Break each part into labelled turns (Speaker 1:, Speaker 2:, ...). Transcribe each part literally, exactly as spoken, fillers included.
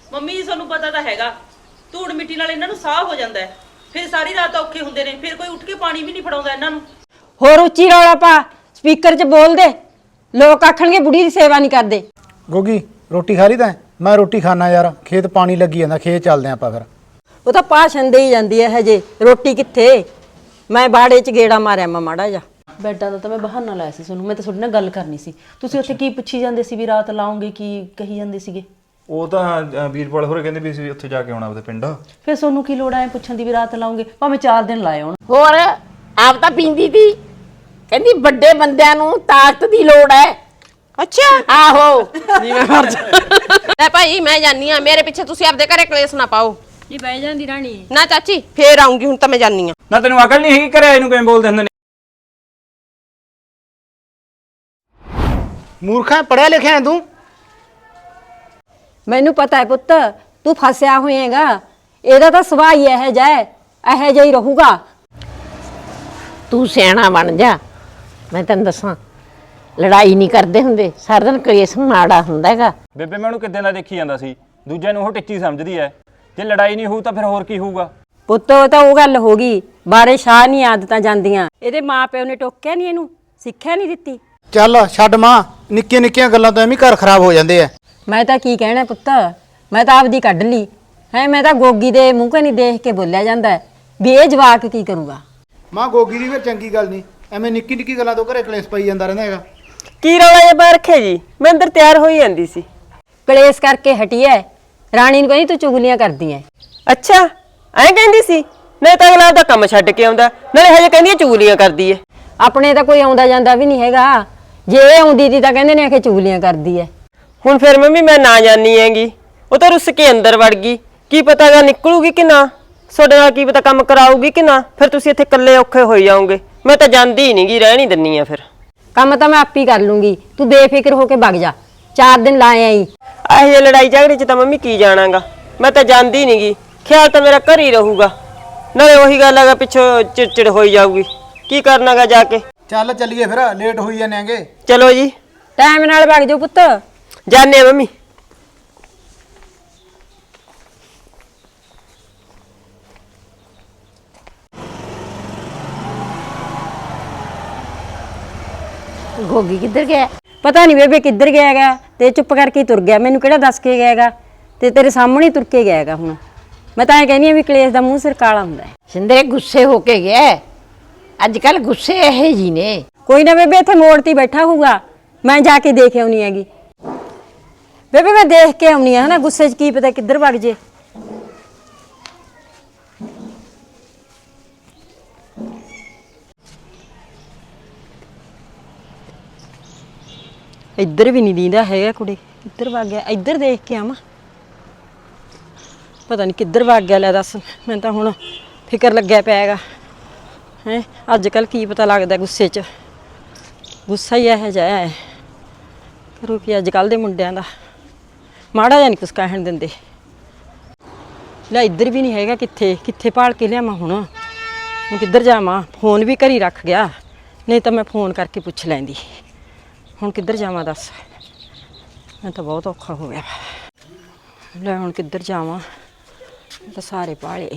Speaker 1: Mummy ਜੀ ਤੁਹਾਨੂੰ ਪਤਾ ਤਾਂ ਹੈਗਾ, ਧੂੜ ਮਿੱਟੀ ਨਾਲ ਇਹਨਾਂ ਨੂੰ ਸਾਹ ਹੋ ਜਾਂਦਾ ਹੈ, ਫਿਰ ਸਾਰੀ ਰਾਤ ਔਖੇ ਹੁੰਦੇ ਨੇ, ਫਿਰ ਕੋਈ ਉੱਠ ਕੇ ਪਾਣੀ ਵੀ ਨਹੀਂ ਫੜਾਉਂਦਾ ਇਹਨਾਂ ਨੂੰ।
Speaker 2: ਹੋਰ ਉੱਚੀ ਰੌਲਾ ਪਾ, ਸਪੀਕਰ 'ਚ ਬੋਲ ਦੇ, ਲੋਕ ਆਖਣਗੇ ਬੁੜੀ ਦੀ ਸੇਵਾ ਨਹੀਂ ਕਰਦੇ।
Speaker 3: ਗੋਗੀ ਰੋਟੀ ਖਾ ਲਈ ਤੈਂ? ਮੈਂ ਰੋਟੀ ਖਾਣਾ ਯਾਰ, ਖੇਤ ਪਾਣੀ ਲੱਗੀ ਜਾਂਦਾ, ਖੇਤ ਚੱਲਦੇ ਆਪਾਂ ਫਿਰ।
Speaker 2: ਉਹ ਤਾਂ ਭਾਸ਼ਣ ਦੇ ਹੀ ਜਾਂਦੀ ਹੈ ਹਜੇ, ਰੋਟੀ ਕਿੱਥੇ? ਮੈਂ ਬਾੜੇ 'ਚ ਗੇੜਾ ਮਾਰਿਆ ਮੈਂ ਮਾੜਾ ਜਾ।
Speaker 4: ਬੈਡਾਂ ਦਾ ਤਾਂ ਮੈਂ ਬਹਾਨਾ ਲਾਇਆ ਸੀ ਤੁਹਾਨੂੰ, ਮੈਂ ਤਾਂ ਤੁਹਾਡੇ ਨਾਲ ਗੱਲ ਕਰਨੀ ਸੀ। ਤੁਸੀਂ ਉੱਥੇ ਕੀ ਪੁੱਛੀ ਜਾਂਦੇ ਸੀ ਵੀ ਰਾਤ ਲਾਉਂਗੇ, ਕੀ ਕਹੀ ਜਾਂਦੇ ਸੀਗੇ?
Speaker 5: ਉਹ ਤਾਂ ਵੀਰਪਾਲ ਹੋਰੇ ਕਹਿੰਦੇ ਵੀ ਅਸੀਂ ਉੱਥੇ ਜਾ ਕੇ ਆਉਣਾ ਉਹਦੇ ਪਿੰਡ।
Speaker 4: ਫਿਰ ਤੁਹਾਨੂੰ ਕੀ ਲੋੜ ਐ ਪੁੱਛਣ ਦੀ ਵੀ ਰਾਤ ਲਾਉਂਗੇ, ਭਾਵੇਂ ਚਾਰ ਦਿਨ ਲਾਏ ਹੋਣ।
Speaker 6: ਹੋਰ ਆਪ ਤਾਂ ਪੀਂਦੀ ਤੀ, ਕਹਿੰਦੀ ਵੱਡੇ ਬੰਦਿਆਂ ਨੂੰ ਤਾਕਤ ਦੀ ਲੋੜ ਹੈ।
Speaker 7: ਅੱਛਾ
Speaker 6: ਆਹੋ
Speaker 7: ਜੀ ਮੈਂ ਮਰ ਜਾ ਲੈ ਭਾਈ ਮੈਂ ਜਾਨੀ ਆ, ਮੇਰੇ ਪਿੱਛੇ ਤੁਸੀਂ ਆਪਦੇ ਘਰੇ ਕਲੇਸ਼ ਨਾ ਪਾਓ
Speaker 2: ਜੀ। ਬਹਿ ਜਾਂਦੀ ਰਾਣੀ
Speaker 7: ਨਾ ਚਾਚੀ, ਫੇਰ ਆਉਂਗੀ, ਹੁਣ ਤਾਂ ਮੈਂ ਜਾਨੀ ਆ।
Speaker 5: ਨਾ ਤੈਨੂੰ ਅਕਲ ਨਹੀਂ ਹੈਗੀ, ਘਰੇ ਇਹਨੂੰ ਕਿਵੇਂ ਬੋਲਦੇ ਹੁੰਦੇ ਨੇ?
Speaker 3: ਮੂਰਖਾ ਪੜਿਆ ਲਿਖਿਆ ਹੈ ਤੂੰ?
Speaker 2: ਮੈਨੂੰ ਪਤਾ ਹੈ ਪੁੱਤ, ਤੂੰ ਫਸਿਆ ਹੋਏਗਾ, ਇਹਦਾ ਤਾਂ ਸੁਭਾਅ ਹੀ ਇਹੋ ਜਿਹਾ ਹੈ, ਇਹੋ ਜਿਹਾ ਹੀ ਰਹੂਗਾ।
Speaker 6: ਤੂੰ ਸਿਆਣਾ ਬਣ ਜਾ। ਮੈਂ ਤੈਨੂੰ ਦੱਸਾਂ, ਲੜਾਈ ਨਹੀਂ ਕਰਦੇ ਹੁੰਦੇ, ਸਾਰਾ ਦਿਨ ਕਲੇਸ਼ ਮਾੜਾ ਹੁੰਦਾ ਹੈਗਾ।
Speaker 5: ਬੇਬੇ ਮੈਂ ਉਹਨੂੰ ਕਿੱਦਾਂ ਦਾ ਦੇਖੀ ਜਾਂਦਾ ਸੀ, ਦੂਜਿਆਂ ਨੂੰ ਉਹ ਟਿੱਚੀ ਸਮਝਦੀ ਐ। ਜੇ ਲੜਾਈ ਨਹੀਂ ਹੋਊ ਤਾਂ ਫਿਰ ਹੋਰ ਕੀ ਹੋਊਗਾ?
Speaker 2: ਪੁੱਤ ਉਹ ਤਾਂ ਉਹ ਗੱਲ ਹੋ ਗਈ, ਬਾਰੇ ਸ਼ਾਹ ਨਹੀਂ ਆਦਤਾਂ ਜਾਂਦੀਆਂ। ਇਹਦੇ ਮਾਪਿਓ ਨੇ ਟੋਕਿਆ ਨਹੀਂ, ਇਹਨੂੰ ਸਿੱਖਿਆ ਨਹੀਂ ਦਿੱਤੀ।
Speaker 3: ਚੱਲ ਛੱਡ ਮਾਂ, ਨਿੱਕੀਆਂ ਨਿੱਕੀਆਂ ਗੱਲਾਂ ਤੋਂ ਐਵੇਂ ਘਰ ਖਰਾਬ ਹੋ ਜਾਂਦੇ ਆ।
Speaker 2: ਮੈਂ ਤਾਂ ਕੀ ਕਹਿਣਾ ਪੁੱਤ, ਮੈਂ ਤਾਂ ਆਪਦੀ ਕੱਢ ਲਈ ਹੈ। ਮੈਂ ਤਾਂ ਗੋਗੀ ਦੇ ਮੂੰਹ ਕਨੀ ਦੇਖ ਕੇ ਬੋਲਿਆ ਜਾਂਦਾ ਹੈ ਵੀ ਇਹ ਜਵਾਕ ਕੀ ਕਰੂਗਾ।
Speaker 3: ਮਾਂ ਗੋਗੀ ਦੀ ਫਿਰ ਚੰਗੀ ਗੱਲ ਨਹੀਂ, ਐਵੇਂ ਨਿੱਕੀ ਨਿੱਕੀ ਗੱਲਾਂ ਤੋਂ ਘਰੇ ਕਲੇਸ਼ ਪਈ ਜਾਂਦਾ ਰਹਿੰਦਾ ਹੈਗਾ।
Speaker 7: ਕੀ ਰੌਲਾ ਜਿਹਾ ਪਾ ਰੱਖਿਆ ਜੀ? ਮੈਂ ਅੰਦਰ ਤਿਆਰ ਹੋਈ ਜਾਂਦੀ ਸੀ।
Speaker 2: ਕਲੇਸ਼ ਕਰਕੇ ਹਟੀ ਐ, ਰਾਣੀ ਨੂੰ ਕਹਿੰਦੀ ਤੂੰ ਚੁਗਲੀਆਂ ਕਰਦੀ ਐ।
Speaker 7: ਅੱਛਾ ਐਂ ਕਹਿੰਦੀ ਸੀ? ਨਹੀਂ ਤਾਂ ਅਗਲਾ ਦਾ ਕੰਮ ਛੱਡ ਕੇ ਆਉਂਦਾ, ਨਾਲੇ ਹਜੇ ਕਹਿੰਦੀ ਚੁਗਲੀਆਂ ਕਰਦੀ ਐ।
Speaker 2: ਆਪਣੇ ਤਾਂ ਕੋਈ ਆਉਂਦਾ ਜਾਂਦਾ ਵੀ ਨਹੀਂ ਹੈਗਾ, ਜੇ ਇਹ ਆਉਂਦੀ ਤੀ ਤਾਂ ਕਹਿੰਦੇ ਨੇ ਕਿ ਚੁਗਲੀਆਂ ਕਰਦੀ ਐ।
Speaker 7: ਹੁਣ ਫਿਰ ਮੰਮੀ ਮੈਂ ਨਾ ਜਾਣੀ ਹੈਗੀ, ਉਹ ਤਾਂ ਰੁੱਸ ਕੇ ਅੰਦਰ ਵੜ ਗਈ। ਕੀ ਪਤਾ ਗਾ ਨਿਕਲੂਗੀ ਕਿ ਨਾ, ਤੁਹਾਡੇ ਨਾਲ ਕੀ ਪਤਾ ਕੰਮ ਕਰਾਊਗੀ ਕਿ ਨਾ, ਫਿਰ ਤੁਸੀਂ ਇੱਥੇ ਇਕੱਲੇ ਔਖੇ ਹੋਈ ਜਾਓਗੇ। ਮੈਂ ਤਾਂ ਜਾਂਦੀ ਹੀ ਨਹੀਂਗੀ, ਰਹਿ ਨਹੀਂ ਦਿੰਨੀ ਆ। ਫਿਰ
Speaker 2: ਕੰਮ ਤਾਂ ਮੈਂ ਆਪੇ ਕਰ ਲੂੰਗੀ, ਤੂੰ ਬੇਫਿਕਰ ਹੋ ਕੇ ਵਗ ਜਾ, ਚਾਰ ਦਿਨ ਲਾਏ ਆਈ।
Speaker 7: ਇਹੋ ਜਿਹੀ ਲੜਾਈ ਝਗੜੇ 'ਚ ਤਾਂ ਮੰਮੀ ਕੀ ਜਾਣਾਗਾ, ਮੈਂ ਤਾਂ ਜਾਂਦੀ ਨਹੀਂਗੀ। ਖਿਆਲ ਤਾਂ ਮੇਰਾ ਘਰ ਹੀ ਰਹੂਗਾ, ਨਾਲੇ ਉਹੀ ਗੱਲ ਹੈਗਾ ਪਿੱਛੋਂ ਚਿੜਚਿੜ ਹੋਈ ਜਾਊਗੀ। ਕੀ ਕਰਨਾਗਾ ਜਾ ਕੇ?
Speaker 3: ਚੱਲ ਚੱਲੀਏ ਫਿਰ, ਲੇਟ ਹੋਈ ਜਾਂਦੇ ਆਂਗੇ।
Speaker 7: ਚਲੋ ਜੀ,
Speaker 2: ਟਾਈਮ ਨਾਲ ਵਗ ਜਾਓ ਪੁੱਤ।
Speaker 7: ਜਾਣੇ ਮੰਮੀ।
Speaker 6: ਗੋਗੀ ਕਿੱਧਰ ਗਿਆ?
Speaker 2: ਪਤਾ ਨਹੀਂ ਬੇਬੇ ਕਿੱਧਰ ਗਿਆ ਹੈਗਾ, ਤੇ ਚੁੱਪ ਕਰਕੇ ਤੁਰ ਗਿਆ। ਮੈਨੂੰ ਕਿਹੜਾ ਦੱਸ ਕੇ ਗਿਆ ਹੈਗਾ, ਤੇ ਤੇਰੇ ਸਾਹਮਣੇ ਹੀ ਤੁਰ ਕੇ ਗਿਆ ਹੈਗਾ। ਹੁਣ ਮੈਂ ਤਾਂ ਇਹ ਕਹਿੰਦੀ ਆ ਵੀ ਕਲੇਸ਼ ਦਾ ਮੂੰਹ ਸਿਰ ਕਾਲਾ ਹੁੰਦਾ ਹੈ।
Speaker 6: ਸਿੰਦਰੇ ਗੁੱਸੇ ਹੋ ਕੇ ਗਿਆ, ਅੱਜ ਕੱਲ ਗੁੱਸੇ ਇਹੇ ਜੀ ਨੇ।
Speaker 2: ਕੋਈ ਨਾ ਬੇਬੇ, ਇੱਥੇ ਮੋੜ ਤੇ ਬੈਠਾ ਹੋਊਗਾ, ਮੈਂ ਜਾ ਕੇ ਦੇਖ ਆਉਣੀ ਹੈਗੀ। ਬੇਬੇ ਮੈਂ ਦੇਖ ਕੇ ਆਉਣੀ ਆ, ਹਨਾ ਗੁੱਸੇ 'ਚ ਕੀ ਪਤਾ ਕਿੱਧਰ ਵਗ ਜੇ। ਇੱਧਰ ਵੀ ਨਹੀਂ ਦੀਂਦਾ ਹੈਗਾ ਕੁੜੇ, ਇੱਧਰ ਵਗ ਗਿਆ। ਇੱਧਰ ਦੇਖ ਕੇ ਆਵਾਂ, ਪਤਾ ਨਹੀਂ ਕਿੱਧਰ ਵਗ ਗਿਆ। ਲੈ ਦੱਸ, ਮੈਨੂੰ ਤਾਂ ਹੁਣ ਫਿਕਰ ਲੱਗਿਆ ਪਿਆ ਹੈਗਾ ਹੈ। ਅੱਜ ਕੱਲ ਕੀ ਪਤਾ ਲੱਗਦਾ ਗੁੱਸੇ 'ਚ, ਗੁੱਸਾ ਹੀ ਇਹੋ ਜਿਹਾ ਹੈ। ਕਰੋ ਕੀ ਅੱਜ ਕੱਲ ਦੇ ਮੁੰਡਿਆਂ ਦਾ, ਮਾੜਾ ਜਿਹਾ ਨਹੀਂ ਕੁਛ ਕਹਿਣ ਦਿੰਦੇ। ਲੈ ਇੱਧਰ ਵੀ ਨਹੀਂ ਹੈਗਾ, ਕਿੱਥੇ ਕਿੱਥੇ ਭਾਲ ਕੇ ਲਿਆਵਾਂ ਹੁਣ। ਹੁਣ ਕਿੱਧਰ ਜਾਵਾਂ? ਫੋਨ ਵੀ ਘਰ ਹੀ ਰੱਖ ਗਿਆ, ਨਹੀਂ ਤਾਂ ਮੈਂ ਫੋਨ ਕਰਕੇ ਪੁੱਛ ਲੈਂਦੀ। ਹੁਣ ਕਿੱਧਰ ਜਾਵਾਂ ਦੱਸ, ਮੈਂ ਤਾਂ ਬਹੁਤ ਔਖਾ ਹੋ ਗਿਆ। ਲੈ ਹੁਣ ਕਿੱਧਰ ਜਾਵਾਂ, ਤਾਂ ਸਾਰੇ ਭਾਲੇ।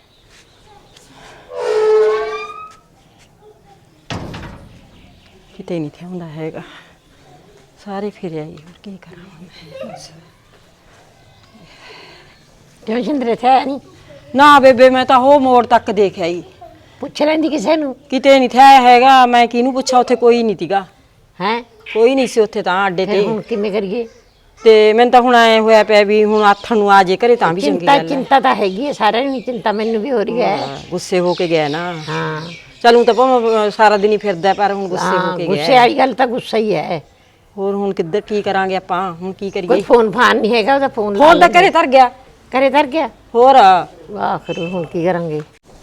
Speaker 2: ਕਿਤੇ ਨਹੀਂ ਥਿਆਉਂਦਾ ਹੈਗਾ, ਸਾਰੇ ਫਿਰ ਆਈ। ਹੋਰ ਕੀ ਕਰਾਂ?
Speaker 6: ਕਿਉਂ ਸਿੰਦਰੇ ਥਿਆ ਨਹੀਂ?
Speaker 2: ਨਾ ਬੇਬੇ, ਮੈਂ ਤਾਂ ਉਹ ਮੋੜ ਤੱਕ ਦੇਖ ਆਈ,
Speaker 6: ਪੁੱਛ ਲੈਂਦੀ ਕਿਸੇ ਨੂੰ।
Speaker 2: ਕਿਤੇ ਨਹੀਂ ਥਿਆ ਹੈਗਾ। ਮੈਂ ਕਿਹਨੂੰ ਪੁੱਛਾਂ, ਉੱਥੇ ਕੋਈ ਨਹੀਂ ਤੀਗਾ।
Speaker 6: ਹੈ
Speaker 2: ਕੋਈ ਨਹੀਂ ਸੀ ਉੱਥੇ ਤਾਂ ਅੱਡੇ ਤੇ।
Speaker 6: ਹੁਣ ਕਿਵੇਂ ਕਰੀਏ?
Speaker 2: ਤੇ ਮੈਨੂੰ ਤਾਂ ਹੁਣ ਐ ਹੋਇਆ ਪਿਆ ਵੀ ਹੁਣ ਆਥਣ ਨੂੰ ਆ ਜੇ ਘਰੇ ਤਾਂ ਵੀ ਚੰਗੀ
Speaker 6: ਚਿੰਤਾ
Speaker 2: ਗੱਲ ਹੈ।
Speaker 6: ਚਿੰਤਾ ਤਾਂ ਹੈਗੀ ਹੈ, ਸਾਰਿਆਂ ਨੂੰ ਚਿੰਤਾ, ਮੈਨੂੰ ਵੀ ਹੋ ਰਹੀ ਹੈ।
Speaker 2: ਗੁੱਸੇ ਹੋ ਕੇ ਗਿਆ ਨਾ।
Speaker 6: ਹਾਂ
Speaker 2: ਚਲੂ ਤਾਂ ਭਾਵੇਂ ਸਾਰਾ ਦਿਨ ਹੀ ਫਿਰਦਾ, ਪਰ ਹੁਣ ਗੁੱਸੇ ਹੋ ਕੇ ਗਿਆ।
Speaker 6: ਗੁੱਸੇ ਵਾਲੀ ਗੱਲ ਤਾਂ ਗੁੱਸਾ ਹੀ ਹੈ।
Speaker 2: ਹੋਰ ਹੁਣ ਕਿੱਧਰ ਕੀ ਕਰਾਂਗੇ ਆਪਾਂ, ਹੁਣ ਕੀ
Speaker 6: ਕੋਈ
Speaker 2: ਕਰੀਏ?
Speaker 6: ਫੋਨ ਫਾਨ ਨਹੀਂ ਹੈਗਾ ਉਹਦਾ? ਫੋਨ
Speaker 2: ਫੋਨ ਤਾਂ ਘਰੇ ਧਰ ਗਿਆ।
Speaker 6: ਘਰੇ ਧਰ ਗਿਆ?
Speaker 2: ਹੋਰ
Speaker 6: ਵਾਹ, ਫਿਰ ਹੁਣ ਕੀ ਕਰਾਂਗੇ?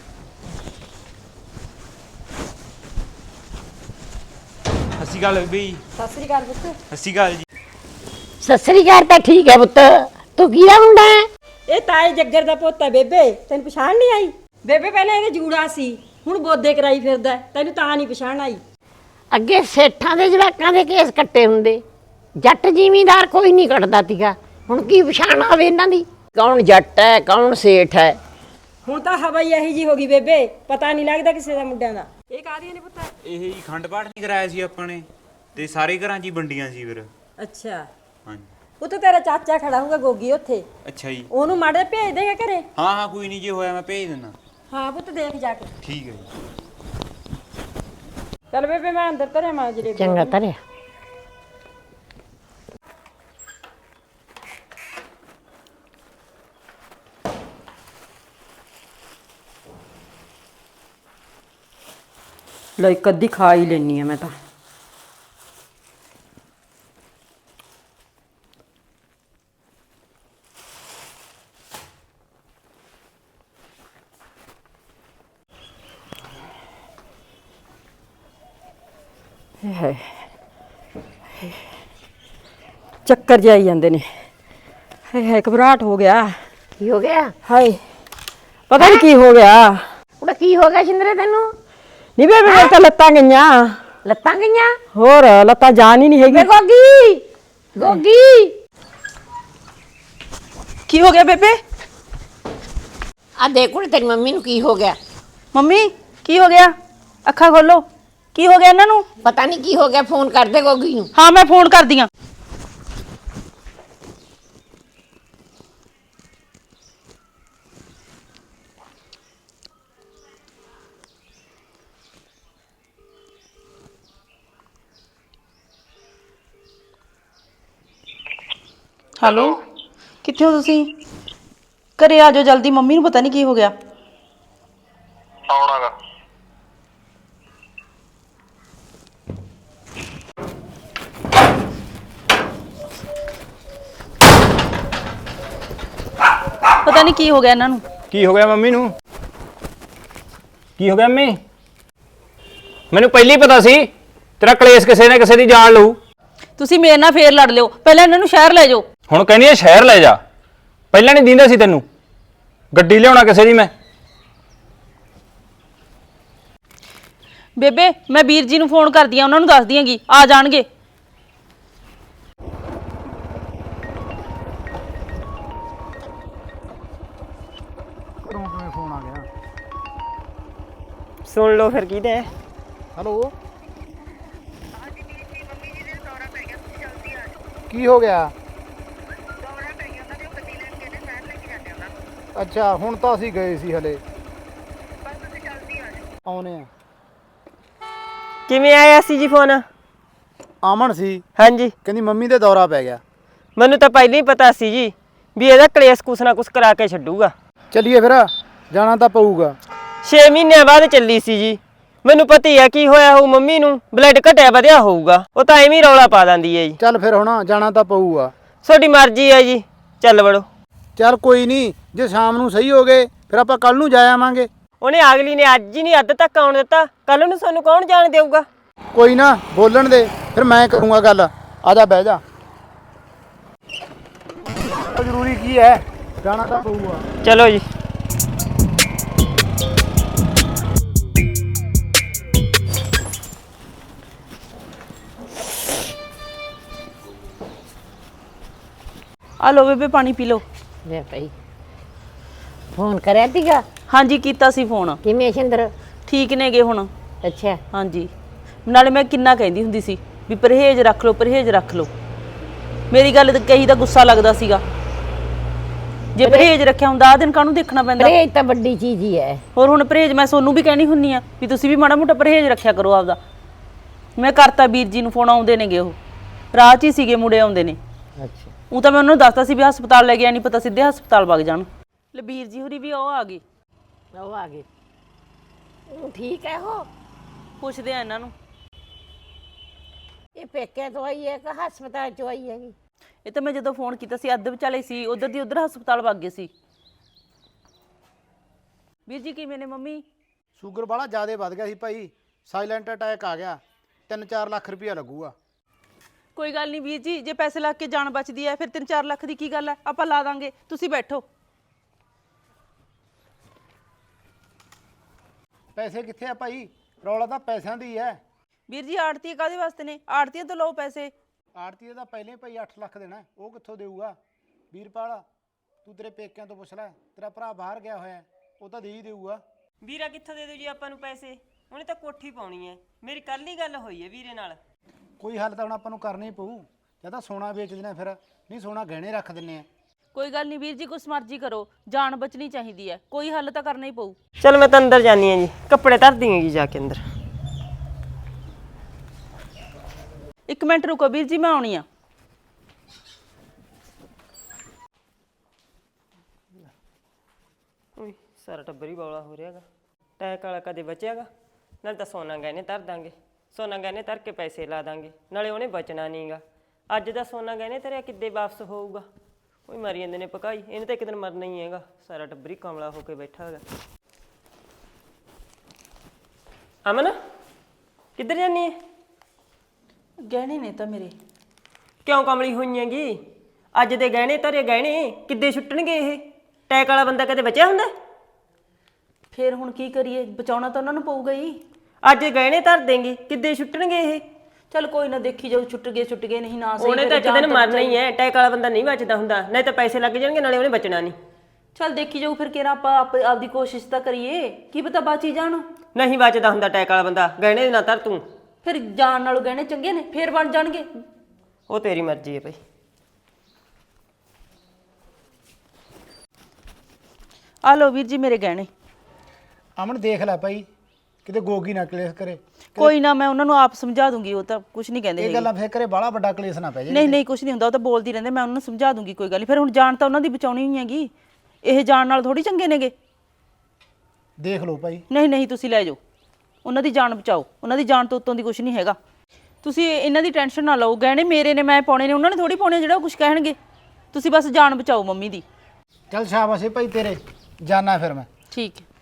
Speaker 5: ਸਤਿ ਸ਼੍ਰੀ ਅਕਾਲ ਬੇਬੀ।
Speaker 2: ਸਤਿ ਸ੍ਰੀ ਅਕਾਲ ਪੁੱਤ।
Speaker 5: ਸਤਿ ਸ਼੍ਰੀ ਅਕਾਲ ਜੀ।
Speaker 6: ਸਤਿ ਸ੍ਰੀ ਅਕਾਲ ਤਾਂ ਠੀਕ ਹੈ ਪੁੱਤ, ਤੂੰ ਕਿਹਦਾ ਮੁੰਡਾ ਹੈ?
Speaker 2: ਇਹ ਤਾਏ ਜੱਗਰ ਦਾ ਪੁੱਤ ਹੈ ਬੇਬੇ, ਤੈਨੂੰ ਪਛਾਣ ਨਹੀਂ ਆਈ? ਬੇਬੇ ਪਹਿਲਾਂ ਇਹਦੇ ਜੂੜਾ ਸੀ, ਹੁਣ ਬੋਦੇ ਕਰਾਈ ਫਿਰਦਾ, ਤੈਨੂੰ ਤਾਂ ਨਹੀਂ ਪਛਾਣ ਆਈ?
Speaker 6: ਅੱਗੇ ਸੇਠਾਂ ਦੇ ਜਵਾਕਾਂ ਦੇ ਕੇਸ ਕੱਟੇ ਹੁੰਦੇ, ਜੱਟ ਜ਼ਿਮੀਂਦਾਰ ਕੋਈ ਨਹੀਂ ਕੱਟਦਾ ਤੀਗਾ। ਹੁਣ ਕੀ ਪਛਾਣ ਆਵੇ ਇਹਨਾਂ ਦੀ ਕੌਣ ਜੱਟ ਹੈ ਕੌਣ ਸੇਠ ਹੈ।
Speaker 2: ਹੁਣ ਤਾਂ ਹਵਾ ਹੀ ਇਹੀ ਜੀ ਹੋ ਗਈ ਬੇਬੇ, ਪਤਾ ਨਹੀਂ ਲੱਗਦਾ ਕਿਸੇ ਦਾ ਮੁੰਡਿਆਂ ਦਾ। ਇਹ ਕਾਹਦੀਆਂ ਨੇ ਪੁੱਤ?
Speaker 8: ਇਹ ਜੀ ਖੰਡ ਪਾਠ ਨਹੀਂ ਕਰਾਇਆ ਸੀ ਆਪਾਂ ਨੇ ਤੇ ਸਾਰੇ ਘਰਾਂ 'ਚ ਹੀ ਵੰਡੀਆਂ ਸੀ ਫਿਰ।
Speaker 2: ਅੱਛਾ,
Speaker 8: ਹਾਂਜੀ।
Speaker 2: ਉੱਥੇ ਤੇਰਾ ਚਾਚਾ ਖੜਾ ਹੋਊਗਾ ਗੋਗੀ ਉੱਥੇ,
Speaker 8: ਅੱਛਾ ਜੀ।
Speaker 2: ਉਹਨੂੰ ਮਾੜੇ ਭੇਜ ਦੇਗਾ ਘਰੇ।
Speaker 8: ਹਾਂ ਹਾਂ ਕੋਈ ਨਹੀਂ, ਜੇ ਹੋਇਆ ਮੈਂ ਭੇਜ ਦਿੰਦਾ।
Speaker 2: ਹਾਂ ਪੁੱਤ ਦੇਖ ਜਾ ਕੇ।
Speaker 8: ਠੀਕ ਹੈ ਜੀ।
Speaker 2: ਚੱਲ ਬੇਬੇ ਮੈਂ ਅੰਦਰ ਧਰਿਆ ਮਾਂ ਜਲੇਬੀ।
Speaker 6: ਚੰਗਾ ਧਰਿਆ।
Speaker 2: ਲੈ ਇੱਕ ਅੱਧੀ ਖਾ ਹੀ ਲੈਣੀ ਆ ਮੈਂ ਤਾਂ। ਹੈ ਚੱਕਰ ਜਾਈ ਜਾਂਦੇ ਨੇ। ਹਾਏ ਹਾਏ ਘਬਰਾਹਟ ਹੋ ਗਿਆ।
Speaker 6: ਕੀ ਹੋ ਗਿਆ?
Speaker 2: ਹਾਏ ਪਤਾ ਨਹੀਂ ਕੀ ਹੋ ਗਿਆ।
Speaker 6: ਉਹਦਾ ਕੀ ਹੋ ਗਿਆ ਸ਼ਿੰਦਰੇ ਤੈਨੂੰ?
Speaker 2: ਨਹੀਂ ਬੇਬੇ ਮੇਰੇ ਤਾਂ ਲੱਤਾਂ ਗਈਆਂ।
Speaker 6: ਲੱਤਾਂ ਗਈਆਂ?
Speaker 2: ਹੋਰ ਲੱਤਾਂ ਜਾਨ ਹੀ ਨਹੀਂ
Speaker 6: ਵੇ
Speaker 2: ਹੈਗੀ।
Speaker 6: ਗੋਗੀ ਗੋਗੀ
Speaker 1: ਕੀ ਹੋ ਗਿਆ ਬੇਬੇ?
Speaker 6: ਆ ਦੇਖ ਕੁੜੇ ਤੇਰੀ ਮੰਮੀ ਨੂੰ ਕੀ ਹੋ ਗਿਆ।
Speaker 1: ਮੰਮੀ ਕੀ ਹੋ ਗਿਆ? ਅੱਖਾਂ ਖੋਲੋ, ਕੀ ਹੋ ਗਿਆ ਇਹਨਾਂ ਨੂੰ?
Speaker 6: ਪਤਾ ਨਹੀਂ ਕੀ ਹੋ ਗਿਆ, ਫੋਨ ਕਰ ਦੇ ਗੋਗੀ ਨੂੰ।
Speaker 1: ਹਾਂ ਮੈਂ ਫੋਨ ਕਰਦੀ ਆਂ। ਹੈਲੋ, ਕਿੱਥੇ ਹੋ ਤੁਸੀਂ? ਘਰੇ ਆ ਜਾਓ ਜਲਦੀ, ਮੰਮੀ ਨੂੰ ਪਤਾ ਨਹੀਂ ਕੀ ਹੋ ਗਿਆ।
Speaker 9: ਆਉਣਾਗਾ।
Speaker 1: ਪਤਾ ਨਹੀਂ ਕੀ ਹੋ ਗਿਆ ਇਹਨਾਂ ਨੂੰ।
Speaker 5: ਕੀ ਹੋ ਗਿਆ ਮੰਮੀ ਨੂੰ? ਕੀ ਹੋ ਗਿਆ ਮੰਮੀ? ਮੈਨੂੰ ਪਹਿਲਾਂ ਹੀ ਪਤਾ ਸੀ ਤੇਰਾ ਕਲੇਸ਼ ਕਿਸੇ ਨਾ ਕਿਸੇ ਦੀ ਜਾਨ ਲਊ।
Speaker 1: ਤੁਸੀਂ ਮੇਰੇ ਨਾਲ ਫੇਰ ਲੜ ਲਿਓ, ਪਹਿਲਾਂ ਇਹਨਾਂ ਨੂੰ ਸ਼ਹਿਰ ਲੈ ਜਾਓ।
Speaker 5: ਹੁਣ ਕਹਿੰਦੀ ਐ ਸ਼ਹਿਰ ਲੈ ਜਾ, ਪਹਿਲਾਂ ਨਹੀਂ ਦਿੰਦਾ ਸੀ ਤੈਨੂੰ। ਗੱਡੀ ਲਿਆਉਣਾ ਕਿਸੇ ਦੀ ਮੈਂ।
Speaker 1: ਬੇਬੇ ਮੈਂ ਵੀਰ ਜੀ ਨੂੰ ਫੋਨ ਕਰਦੀ ਆ, ਉਹਨਾਂ ਨੂੰ ਦੱਸ ਦਿਆਂਗੀ, ਆ ਜਾਣਗੇ।
Speaker 3: ਫੋਨ ਆ ਗਿਆ।
Speaker 7: ਸੁਣ ਲਓ ਫਿਰ ਕਿਹਦੇ?
Speaker 3: ਹੈਲੋ, ਕੀ ਹੋ ਗਿਆ? ਅੱਛਾ ਹੁਣ ਤਾਂ ਅਸੀਂ ਗਏ ਸੀ ਹਲੇ। ਆਉਨੇ ਆ।
Speaker 7: ਕਿਵੇਂ ਆਇਆ ਸੀ ਜੀ ਫੋਨ?
Speaker 3: ਆਮਨ ਸੀ,
Speaker 7: ਹਾਂਜੀ,
Speaker 3: ਕਹਿੰਦੀ ਮੰਮੀ ਦੇ ਦੌਰਾ ਪੈ ਗਿਆ।
Speaker 7: ਮੈਨੂੰ ਤਾਂ ਪਹਿਲਾਂ ਹੀ ਪਤਾ ਸੀ ਜੀ ਵੀ ਇਹਦਾ ਕਲੇਸ਼ ਕੁਛ ਨਾ ਕੁਛ ਕਰਾ ਕੇ ਛੱਡੂਗਾ।
Speaker 3: ਚੱਲੀਏ ਫਿਰ, ਜਾਣਾ ਤਾਂ ਪਊਗਾ।
Speaker 7: ਛੇ ਮਹੀਨਿਆਂ ਬਾਅਦ ਚੱਲੀ ਸੀ ਜੀ। ਮੈਨੂੰ ਪਤਾ ਹੀ ਆ ਕੀ ਹੋਇਆ ਹੋਊ ਮੰਮੀ ਨੂੰ, ਬਲੱਡ ਘਟਿਆ ਵਧਿਆ ਹੋਊਗਾ। ਉਹ ਤਾਂ ਐਵੇਂ ਹੀ ਰੌਲਾ ਪਾ ਦਿੰਦੀ ਹੈ ਜੀ।
Speaker 3: ਚੱਲ ਫਿਰ ਹੁਣ ਜਾਣਾ ਤਾਂ ਪਊਗਾ।
Speaker 7: ਤੁਹਾਡੀ ਮਰਜ਼ੀ ਹੈ ਜੀ, ਚੱਲ ਵੜੋ।
Speaker 3: ਚੱਲ ਕੋਈ ਨਹੀਂ, ਜੇ ਸ਼ਾਮ ਨੂੰ ਸਹੀ ਹੋ ਗਏ ਫਿਰ ਆਪਾਂ ਕੱਲ ਨੂੰ ਜਾ ਆਵਾਂਗੇ।
Speaker 7: ਉਹਨੇ ਅਗਲੀ ਨੇ ਅੱਜ ਹੀ ਨਹੀਂ ਅੱਧ ਤੱਕ ਆਉਣ ਦਿੱਤਾ, ਕੱਲ ਨੂੰ ਸਾਨੂੰ ਕੌਣ ਜਾਣ ਦੇਊਗਾ?
Speaker 3: ਕੋਈ ਨਾ, ਬੋਲਣ ਦੇ, ਫਿਰ ਮੈਂ ਕਰੂੰਗਾ ਗੱਲ। ਆ ਜਾ ਬਹਿ ਜਾ। ਜ਼ਰੂਰੀ ਕੀ ਹੈ, ਜਾਣਾ ਤਾਂ ਪਊਗਾ।
Speaker 7: ਚਲੋ ਜੀ।
Speaker 1: ਆ ਲਓ ਬੇਬੇ ਪਾਣੀ ਪੀ ਲਓ।
Speaker 6: ਲੈ ਭਾਈ ਫੋਨ ਕਰਿਆ ਤੀਗਾ?
Speaker 1: ਹਾਂਜੀ ਕੀਤਾ ਸੀ ਫੋਨ।
Speaker 6: ਕਿਵੇਂ ਸ਼ਿੰਦਰ?
Speaker 1: ਠੀਕ ਨੇਗੇ ਹੁਣ।
Speaker 6: ਅੱਛਾ।
Speaker 1: ਹਾਂਜੀ, ਨਾਲੇ ਮੈਂ ਕਿੰਨਾ ਕਹਿੰਦੀ ਹੁੰਦੀ ਸੀ ਵੀ ਪਰਹੇਜ਼ ਰੱਖ ਲਓ, ਪਰਹੇਜ਼ ਰੱਖ ਲਓ। ਮੇਰੀ ਗੱਲ ਤੇ ਕਹੀ ਦਾ ਗੁੱਸਾ ਲੱਗਦਾ ਸੀਗਾ। ਜੇ ਪਰਹੇਜ਼ ਰੱਖਿਆ ਹੁੰਦਾ ਆ ਦਿਨ ਕਾਹਨੂੰ ਦੇਖਣਾ ਪੈਂਦਾ?
Speaker 6: ਪਰਹੇਜ਼ ਤਾਂ ਵੱਡੀ ਚੀਜ਼ ਹੀ ਹੈ।
Speaker 1: ਹੋਰ ਹੁਣ ਪਰਹੇਜ਼ ਮੈਂ ਸੋਨੂੰ ਵੀ ਕਹਿਣੀ ਹੁੰਨੀ ਆ ਵੀ ਤੁਸੀਂ ਵੀ ਮਾੜਾ ਮੋਟਾ ਪਰਹੇਜ਼ ਰੱਖਿਆ ਕਰੋ ਆਪਦਾ। ਮੈਂ ਕਰਤਾ ਵੀਰ ਜੀ ਨੂੰ ਫੋਨ, ਆਉਂਦੇ ਨੇਗੇ, ਉਹ ਰਾਹ 'ਚ ਹੀ ਸੀਗੇ, ਮੁੰਡੇ ਆਉਂਦੇ ਨੇ।
Speaker 6: ਅੱਛਾ।
Speaker 1: ਉਹ ਤਾਂ ਮੈਂ ਉਹਨਾਂ ਨੂੰ ਦੱਸਤਾ ਸੀ ਵੀ ਹਸਪਤਾਲ ਲੈ ਗਿਆ, ਨਹੀਂ ਪਤਾ ਸਿੱਧੇ ਹਸਪਤਾਲ ਵਗ ਜਾਣ। ਲੈ ਵੀਰ ਜੀ ਹੋਰੀ ਵੀ ਉਹ ਆ ਗਏ।
Speaker 6: ਉਹ ਆ ਗਏ। ਉਹ ਠੀਕ ਹੈ। ਉਹ
Speaker 1: ਪੁੱਛਦੇ ਆ ਇਹਨਾਂ ਨੂੰ।
Speaker 6: ਇਹ ਪੇਕੇ ਤੋਂ ਆਈ ਹੈ ਕਿ ਹਸਪਤਾਲ ਚੋਂ ਆਈ ਹੈਗੀ?
Speaker 1: ਇਹ ਤਾਂ ਮੈਂ ਜਦੋਂ ਫੋਨ ਕੀਤਾ ਸੀ ਅੱਧ ਵਿਚਾਲੇ ਸੀ, ਉਧਰ ਦੀ ਉਧਰ ਹਸਪਤਾਲ ਵਗ ਗਏ ਸੀ। ਵੀਰ ਜੀ ਕਿਵੇਂ ਨੇ ਮੰਮੀ?
Speaker 3: ਸ਼ੂਗਰ ਵਾਲਾ ਜ਼ਿਆਦਾ ਵੱਧ ਗਿਆ ਸੀ ਭਾਈ, ਸਾਇਲੈਂਟ ਅਟੈਕ ਆ ਗਿਆ। ਤਿੰਨ ਚਾਰ ਲੱਖ ਰੁਪਇਆ ਲੱਗੂਗਾ।
Speaker 1: ਕੋਈ ਗੱਲ ਨਹੀਂ ਵੀਰ ਜੀ, ਜੇ ਪੈਸੇ ਲੱਗ ਕੇ ਜਾਨ ਬਚਦੀ ਹੈ ਫਿਰ ਤਿੰਨ ਚਾਰ ਲੱਖ ਦੀ ਕੀ ਗੱਲ ਹੈ, ਆਪਾਂ ਲਾ ਦਾਂਗੇ, ਤੁਸੀਂ ਬੈਠੋ।
Speaker 3: ਪੈਸੇ ਕਿੱਥੇ ਆ ਭਾਈ? ਰੌਲਾ ਤਾਂ ਪੈਸਿਆਂ ਦੀ ਹੈ।
Speaker 1: ਵੀਰ ਜੀ ਆੜਤੀ ਕਾਹਦੇ ਵਾਸਤੇ ਨੇ? ਆੜਤੀਆਂ ਤੋਂ ਲਓ ਪੈਸੇ।
Speaker 3: ਆੜਤੀਏ ਦਾ ਪਹਿਲੇ ਭਾਈ ਅੱਠ ਲੱਖ ਦੇਣਾ, ਉਹ ਕਿੱਥੋਂ ਦੇਊਗਾ? ਵੀਰਪਾਲ ਤੂੰ ਤੇਰੇ ਪੇਕਿਆਂ ਤੋਂ ਪੁੱਛ ਲੈ, ਤੇਰਾ ਭਰਾ ਬਾਹਰ ਗਿਆ ਹੋਇਆ ਹੈ, ਉਹ ਤਾਂ ਦੇ ਹੀ ਦੇਊਗਾ।
Speaker 7: ਵੀਰਾ ਕਿੱਥੋਂ ਦੇ ਦੂ ਜੀ ਆਪਾਂ ਨੂੰ ਪੈਸੇ? ਉਹਨੇ ਤਾਂ ਕੋਠੀ ਪਾਉਣੀ ਹੈ। ਮੇਰੀ ਕੱਲ ਹੀ ਗੱਲ ਹੋਈ ਹੈ ਵੀਰੇ ਨਾਲ।
Speaker 3: ਕੋਈ ਹੱਲ ਤਾਂ ਹੁਣ ਆਪਾਂ ਨੂੰ ਕਰਨਾ ਹੀ ਪਊ, ਜਾਂ ਤਾਂ ਸੋਨਾ ਵੇਚ ਦੇਣਾ ਫਿਰ, ਨਹੀਂ ਸੋਨਾ ਗਹਿਣੇ ਰੱਖ ਦਿੰਨੇ ਆ।
Speaker 1: ਕੋਈ ਗੱਲ ਨਹੀਂ ਵੀਰ ਜੀ, ਕੁਛ ਮਰਜ਼ੀ ਕਰੋ, ਜਾਨ ਬਚਣੀ ਚਾਹੀਦੀ ਹੈ, ਕੋਈ ਹੱਲ ਤਾਂ ਕਰਨਾ ਹੀ ਪਊ।
Speaker 7: ਚਲ ਮੈਂ ਤਾਂ ਅੰਦਰ ਜਾਨੀ ਹਾਂ ਜੀ, ਕੱਪੜੇ ਧਰ ਦਿਆਂਗੀ ਜਾ ਕੇ ਅੰਦਰ।
Speaker 1: ਇੱਕ ਮਿੰਟ ਰੁਕੋ ਵੀਰ ਜੀ, ਮੈਂ ਆਉਣੀ ਆ।
Speaker 7: ਓਏ ਸਾਰਾ ਟੱਬਰ ਹੀ ਬੌਲਾ ਹੋ ਰਿਹਾਗਾ। ਟੈਕ ਵਾਲਾ ਕਦੇ ਬਚਿਆਗਾ? ਨਾਲ ਤਾਂ ਸੋਨਾ ਗਹਿਣੇ ਧਰ ਦਾਂਗੇ, ਸੋਨਾ ਗਹਿਣੇ ਧਰ ਕੇ ਪੈਸੇ ਲਾ ਦਾਂਗੇ, ਨਾਲੇ ਉਹਨੇ ਬਚਣਾ ਨਹੀਂਗਾ। ਅੱਜ ਦਾ ਸੋਨਾ ਗਹਿਣੇ ਧਰਿਆ ਕਿੱਦੇ ਵਾਪਸ ਹੋਊਗਾ? ਕੋਈ ਮਰੀ ਜਾਂਦੇ ਨੇ ਪਕਾਈ, ਇਹਨੇ ਤਾਂ ਇੱਕ ਦਿਨ ਮਰਨਾ ਹੀ ਹੈਗਾ। ਸਾਰਾ ਟੱਬਰ ਹੀ ਕਮਲਾ ਹੋ ਕੇ ਬੈਠਾ ਹੈਗਾ। ਅਮਨ ਕਿੱਧਰ ਜਾਨੀ ਹੈ?
Speaker 1: ਗਹਿਣੇ ਨੇ ਤਾਂ ਮੇਰੇ।
Speaker 7: ਕਿਉਂ ਕਮਲੀ ਹੋਈ ਹੈਗੀ? ਅੱਜ ਦੇ ਗਹਿਣੇ ਧਰੇ ਗਹਿਣੇ ਕਿੱਦੇ ਛੁੱਟਣਗੇ? ਇਹ ਟੈਕ ਵਾਲਾ ਬੰਦਾ ਕਦੇ ਬਚਿਆ ਹੁੰਦਾ?
Speaker 1: ਫੇਰ ਹੁਣ ਕੀ ਕਰੀਏ, ਬਚਾਉਣਾ ਤਾਂ ਉਹਨਾਂ ਨੂੰ ਪਊਗਾ ਹੀ।
Speaker 7: ਅੱਜ ਗਹਿਣੇ ਧਰ ਦੇਂਗੇ, ਕਿੱਦੇ ਛੁੱਟਣਗੇ ਇਹ?
Speaker 1: ਚਲ ਕੋਈ ਨਾ, ਦੇਖੀ ਜਾਊ, ਛੁੱਟ ਗਏ ਛੁੱਟ ਗਏ, ਨਹੀਂ ਨਾ ਸਹੀ।
Speaker 7: ਉਹਨੇ ਤਾਂ ਇੱਕ ਦਿਨ ਮਰਨਾ ਹੀ ਹੈ। ਟੈਕ ਵਾਲਾ ਬੰਦਾ ਨਹੀਂ ਬਚਦਾ ਹੁੰਦਾ, ਨਹੀਂ ਤਾਂ ਪੈਸੇ ਲੱਗ ਜਾਣਗੇ, ਨਾਲੇ ਉਹਨੇ ਬਚਣਾ ਨਹੀਂ।
Speaker 1: ਚਲ ਦੇਖੀ ਜਾਊ, ਫਿਰ ਕਿਹੜਾ ਆਪਾਂ ਆਪ- ਆਪਦੀ ਕੋਸ਼ਿਸ਼ ਤਾਂ ਕਰੀਏ, ਕੀ ਪਤਾ ਬਾਚੀ ਜਾਣ।
Speaker 7: ਨਹੀਂ ਬਚਦਾ ਹੁੰਦਾ ਟੈਕ ਵਾਲਾ ਬੰਦਾ, ਗਹਿਣੇ ਨਾ ਧਰ ਤੂੰ।
Speaker 1: ਫਿਰ ਜਾਣ ਨਾਲੋਂ ਗਹਿਣੇ ਚੰਗੇ ਨੇ, ਫੇਰ ਬਣ ਜਾਣਗੇ।
Speaker 7: ਉਹ ਤੇਰੀ ਮਰਜ਼ੀ ਹੈ ਭਾਈ।
Speaker 1: ਆ ਲਓ ਵੀਰ ਜੀ ਮੇਰੇ ਗਹਿਣੇ।
Speaker 3: ਅਮਨ ਦੇਖ ਲੈ ਭਾਈ, ਕਿਤੇ ਗੋਗੀ ਨਾ ਕਲੇਸ਼ ਕਰੇ।
Speaker 1: ਕੋਈ ਨਾ, ਮੈਂ ਉਹਨਾਂ ਨੂੰ ਆਪ ਸਮਝਾ ਦੂੰਗੀ, ਉਹ ਤਾਂ ਕੁਝ ਨਹੀਂ ਕਹਿੰਦੇ
Speaker 3: ਇਹ
Speaker 1: ਹੈਗੇ।
Speaker 3: ਗੱਲਾਂ ਫੇਰ ਕਰੇ ਬਾਹਲਾ ਵੱਡਾ ਕਲੇਸ਼ ਨਾ ਪੈ ਜਾਏ।
Speaker 1: ਨਹੀਂ ਨਹੀਂ, ਕੁਝ ਨਹੀਂ ਹੁੰਦਾ, ਉਹ ਤਾਂ ਬੋਲਦੀ ਰਹਿੰਦੇ, ਮੈਂ ਉਹਨਾਂ ਨੂੰ ਸਮਝਾ ਦੂੰਗੀ, ਕੋਈ ਗੱਲ ਨਹੀਂ। ਫਿਰ ਹੁਣ ਜਾਨ ਤਾਂ ਉਹਨਾਂ ਦੀ ਬਚਾਉਣੀ ਹੀ ਹੈਗੀ, ਇਹ ਜਾਨ ਨਾਲ ਥੋੜੀ ਚੰਗੇ ਨੇਗੇ।
Speaker 3: ਦੇਖ ਲਓ ਭਾਈ।
Speaker 1: ਨਹੀਂ ਨਹੀਂ, ਤੁਸੀਂ ਲੈ ਜਾਓ, ਉਹਨਾਂ ਦੀ ਜਾਨ ਬਚਾਓ, ਉਹਨਾਂ ਦੀ ਜਾਨ ਤੋਂ ਉੱਤੋਂ ਦੀ ਕੁਝ ਨਹੀਂ ਹੈਗਾ। ਤੁਸੀਂ ਇਹਨਾਂ ਦੀ ਟੈਨਸ਼ਨ ਨਾ ਲਓ, ਗਹਿਣੇ ਮੇਰੇ ਨੇ, ਮੈਂ ਪਾਉਣੇ ਨੇ, ਉਹਨਾਂ ਨੇ ਥੋੜੀ ਪਾਉਣੇ ਜਿਹੜਾ ਉਹ ਕੁਝ ਕਹਿਣਗੇ। ਤੁਸੀਂ ਬਸ ਜਾਨ ਬਚਾਓ ਮੰਮੀ ਦੀ।
Speaker 3: ਚੱਲ ਸ਼ਾਬਾਸ਼ ਏ ਭਾਈ ਤੇਰੇ, ਜਾਨਾ ਫਿਰ ਮੈਂ।
Speaker 1: ਠੀਕ ਹੈ।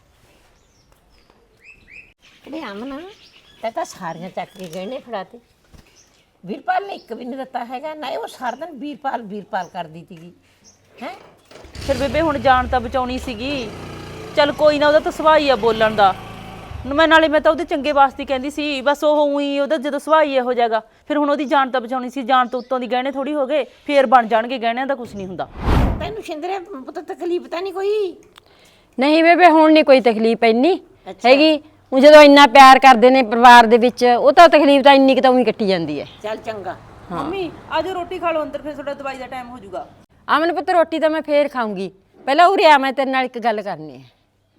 Speaker 6: ਅਰੇ ਅਮਨ ਤੈ ਤਾਂ ਸਾਰੀਆਂ ਚੱਕ ਕੇ ਗਹਿਣੇ ਫੜਾਤੇ। ਵੀਰਪਾਲ ਨੇ ਇੱਕ ਵੀ ਨਹੀਂ ਦਿੱਤਾ ਹੈਗਾ ਨਾ। ਉਹ ਸਾਰਾ ਦਿਨ ਵੀਰਪਾਲ ਵੀਰਪਾਲ ਕਰਦੀ ਸੀਗੀ ਹੈ।
Speaker 1: ਫਿਰ ਬੇਬੇ ਹੁਣ ਜਾਨ ਤਾਂ ਬਚਾਉਣੀ ਸੀਗੀ। ਚੱਲ ਕੋਈ ਨਾ, ਉਹਦਾ ਤਾਂ ਸੁਭਾਅ ਹੀ ਆ ਬੋਲਣ ਦਾ। ਮੈਂ ਨਾਲੇ ਮੈਂ ਤਾਂ ਉਹਦੇ ਚੰਗੇ ਵਾਸਤੇ ਕਹਿੰਦੀ ਸੀ, ਬਸ ਉਹ ਉਹੀ ਉਹਦਾ ਜਦੋਂ ਸੁਭਾਅ ਹੀ ਇਹੋ ਜਾਗਾ। ਫਿਰ ਹੁਣ ਉਹਦੀ ਜਾਨ ਤਾਂ ਬਚਾਉਣੀ ਸੀ, ਜਾਨ ਤੋਂ ਉੱਤੋਂ ਦੀ ਗਹਿਣੇ ਥੋੜੀ ਹੋ ਗਏ, ਫੇਰ ਬਣ ਜਾਣਗੇ, ਗਹਿਣਿਆਂ ਦਾ ਕੁਝ ਨਹੀਂ ਹੁੰਦਾ।
Speaker 6: ਤੈਨੂੰ ਸ਼ਿੰਦਰੇ ਪੁੱਤ ਤਕਲੀਫ ਤਾਂ ਨਹੀਂ ਕੋਈ?
Speaker 2: ਨਹੀਂ ਬੇਬੇ, ਹੁਣ ਨਹੀਂ ਕੋਈ ਤਕਲੀਫ ਇੰਨੀ ਹੈਗੀ। ਉਹ ਜਦੋਂ ਇੰਨਾ ਪਿਆਰ ਕਰਦੇ ਨੇ ਪਰਿਵਾਰ ਦੇ ਵਿੱਚ, ਉਹ ਤਾਂ ਤਕਲੀਫ ਤਾਂ ਇੰਨੀ ਕਿ ਤਾਂ ਉਹੀ ਕੱਟੀ ਜਾਂਦੀ ਹੈ।
Speaker 6: ਚੱਲ ਚੰਗਾ।
Speaker 1: ਮੰਮੀ ਆਜੋ ਰੋਟੀ ਖਾ ਲਓ ਅੰਦਰ, ਫਿਰ ਤੁਹਾਡਾ ਦਵਾਈ ਦਾ ਟਾਈਮ ਹੋ ਜਾਊਗਾ।
Speaker 2: ਅਮਨ ਪੁੱਤ, ਰੋਟੀ ਤਾਂ ਮੈਂ ਫੇਰ ਖਾਊਂਗੀ, ਪਹਿਲਾਂ ਉਰੇ ਆ, ਮੈਂ ਤੇਰੇ ਨਾਲ ਇੱਕ ਗੱਲ ਕਰਨੀ ਹੈ।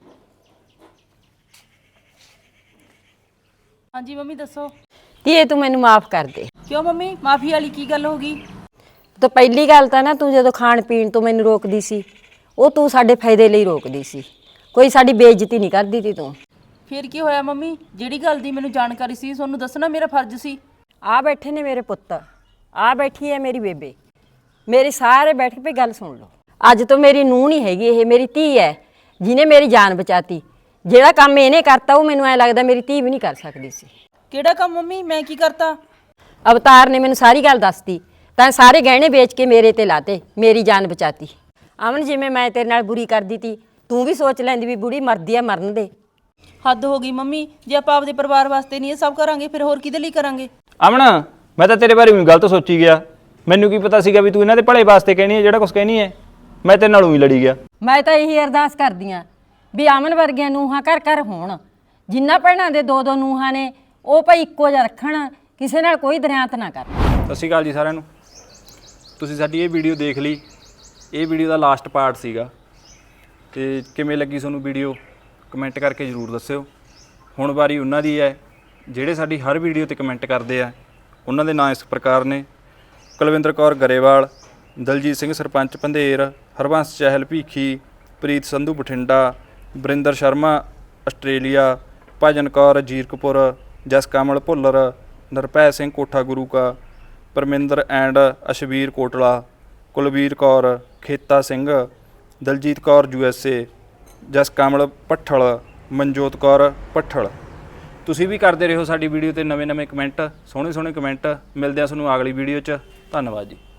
Speaker 1: ਹਾਂਜੀ ਮੰਮੀ ਦੱਸੋ।
Speaker 2: ਧੀਏ ਤੂੰ ਮੈਨੂੰ ਮਾਫ ਕਰ ਦੇ।
Speaker 1: ਕਿਉਂ ਮੰਮੀ, ਮਾਫੀ ਵਾਲੀ ਕੀ ਗੱਲ ਹੋ ਗਈ?
Speaker 2: ਤਾਂ ਪਹਿਲੀ ਗੱਲ ਤਾਂ ਨਾ, ਤੂੰ ਜਦੋਂ ਖਾਣ ਪੀਣ ਤੋਂ ਮੈਨੂੰ ਰੋਕਦੀ ਸੀ, ਉਹ ਤੂੰ ਸਾਡੇ ਫਾਇਦੇ ਲਈ ਰੋਕਦੀ ਸੀ, ਕੋਈ ਸਾਡੀ ਬੇਇੱਜ਼ਤੀ ਨਹੀਂ ਕਰਦੀ ਤੀ ਤੂੰ।
Speaker 1: ਫਿਰ ਕੀ ਹੋਇਆ ਮੰਮੀ, ਜਿਹੜੀ ਗੱਲ ਦੀ ਮੈਨੂੰ ਜਾਣਕਾਰੀ ਸੀ ਤੁਹਾਨੂੰ ਦੱਸਣਾ ਮੇਰਾ ਫਰਜ਼ ਸੀ।
Speaker 2: ਆ ਬੈਠੇ ਨੇ ਮੇਰੇ ਪੁੱਤ, ਆ ਬੈਠੀ ਹੈ ਮੇਰੀ ਬੇਬੇ, ਮੇਰੇ ਸਾਰੇ ਬੈਠ ਕੇ ਗੱਲ ਸੁਣ ਲਓ। ਅੱਜ ਤੋਂ ਮੇਰੀ ਨੂੰਹ ਨਹੀਂ ਹੈਗੀ, ਇਹ ਮੇਰੀ ਧੀ ਹੈ, ਜਿਹਨੇ ਮੇਰੀ ਜਾਨ ਬਚਾਤੀ। ਜਿਹੜਾ ਕੰਮ ਇਹਨੇ ਕਰਤਾ, ਉਹ ਮੈਨੂੰ ਐ ਲੱਗਦਾ ਮੇਰੀ ਧੀ ਵੀ ਨਹੀਂ ਕਰ ਸਕਦੀ ਸੀ।
Speaker 1: ਕਿਹੜਾ ਕੰਮ ਮੰਮੀ, ਮੈਂ ਕੀ ਕਰਤਾ?
Speaker 2: ਅਵਤਾਰ ਨੇ ਮੈਨੂੰ ਸਾਰੀ ਗੱਲ ਦੱਸਤੀ, ਤਾਂ ਸਾਰੇ ਗਹਿਣੇ ਵੇਚ ਕੇ ਮੇਰੇ ਤੇ ਲਾਤੇ, ਮੇਰੀ ਜਾਨ ਬਚਾਤੀ। ਅਮਨ, ਜਿਵੇਂ ਮੈਂ ਤੇਰੇ ਨਾਲ ਬੁਰੀ ਕਰਦੀ ਤੀ, ਤੂੰ ਵੀ ਸੋਚ ਲੈਂਦੀ ਵੀ ਬੁੜੀ ਮਰਦੀ ਆ, ਮਰਨ ਦੇ।
Speaker 1: ਹੱਦ ਹੋ ਗਈ ਮੰਮੀ, ਜੇ ਆਪਾਂ ਆਪਦੇ ਪਰਿਵਾਰ ਵਾਸਤੇ ਨਹੀਂ ਇਹ ਸਭ ਕਰਾਂਗੇ, ਫਿਰ ਹੋਰ ਕਿਹਦੇ ਲਈ ਕਰਾਂਗੇ?
Speaker 5: ਅਮਨ, ਮੈਂ ਤਾਂ ਤੇਰੇ ਬਾਰੇ ਵੀ ਗਲਤ ਸੋਚੀ ਗਿਆ। ਮੈਨੂੰ ਕੀ ਪਤਾ ਸੀਗਾ ਵੀ ਤੂੰ ਇਹਨਾਂ ਦੇ ਭਲੇ ਵਾਸਤੇ ਕਹਿਣੀ ਹੈ ਜਿਹੜਾ ਕੁਝ ਕਹਿਣੀ ਹੈ। ਮੈਂ ਤੇਰੇ ਨਾਲ ਹੀ ਲੜੀ ਗਿਆ।
Speaker 2: ਮੈਂ ਤਾਂ ਇਹੀ ਅਰਦਾਸ ਕਰਦੀ ਆਂ ਵੀ ਅਮਨ ਵਰਗੀਆਂ ਨੂੰਹਾਂ ਘਰ ਘਰ ਹੋਣ। ਜਿੰਨਾ ਭੈਣਾਂ ਦੇ ਦੋ ਦੋ ਨੂੰਹਾਂ ਨੇ, ਉਹ ਭਾਈ ਇੱਕੋ ਜਿਹਾ ਰੱਖਣ, ਕਿਸੇ ਨਾਲ ਕੋਈ ਦਰਿਆਤ ਨਾ ਕਰਨ।
Speaker 9: ਸਤਿ ਸ਼੍ਰੀ ਅਕਾਲ ਜੀ ਸਾਰਿਆਂ ਨੂੰ। ਤੁਸੀਂ ਸਾਡੀ ਇਹ ਵੀਡੀਓ ਦੇਖ ਲਈ, ਇਹ ਵੀਡੀਓ ਦਾ ਲਾਸਟ ਪਾਰਟ ਸੀਗਾ, ਤੇ ਕਿਵੇਂ ਲੱਗੀ ਤੁਹਾਨੂੰ ਵੀਡੀਓ ਕਮੈਂਟ ਕਰਕੇ ਜ਼ਰੂਰ ਦੱਸਿਓ। ਹੁਣ ਵਾਰੀ ਉਹਨਾਂ ਦੀ ਹੈ ਜਿਹੜੇ ਸਾਡੀ ਹਰ ਵੀਡੀਓ ਤੇ ਕਮੈਂਟ ਕਰਦੇ ਆ। ਉਹਨਾਂ ਦੇ ਨਾਂ ਇਸ ਪ੍ਰਕਾਰ ਨੇ: Kulwinder Kaur Grewal, Daljit Singh sarpanch Pandher, Harbans Chahal Bhikhi, Preet Sandhu Bathinda, Varinder Sharma Australia, Bhajan Kaur Zirakpur, Jas Kamal Bhullar, Nirbhay Singh Kotha Guru Ka, Parminder and Ashvir Kotla, Kulvir Kaur, Kheta Singh, Daljit Kaur U S A, Jas Kamal Bhathal, Manjot Kaur Bhathal. ਤੁਸੀਂ ਵੀ ਕਰਦੇ ਰਹੋ ਸਾਡੀ ਵੀਡੀਓ ਤੇ ਨਵੇਂ ਨਵੇਂ ਕਮੈਂਟ, ਸੋਹਣੇ ਸੋਹਣੇ ਕਮੈਂਟ। ਮਿਲਦੇ ਆ ਤੁਹਾਨੂੰ ਅਗਲੀ ਵੀਡੀਓ 'ਚ। ਧੰਨਵਾਦ ਜੀ।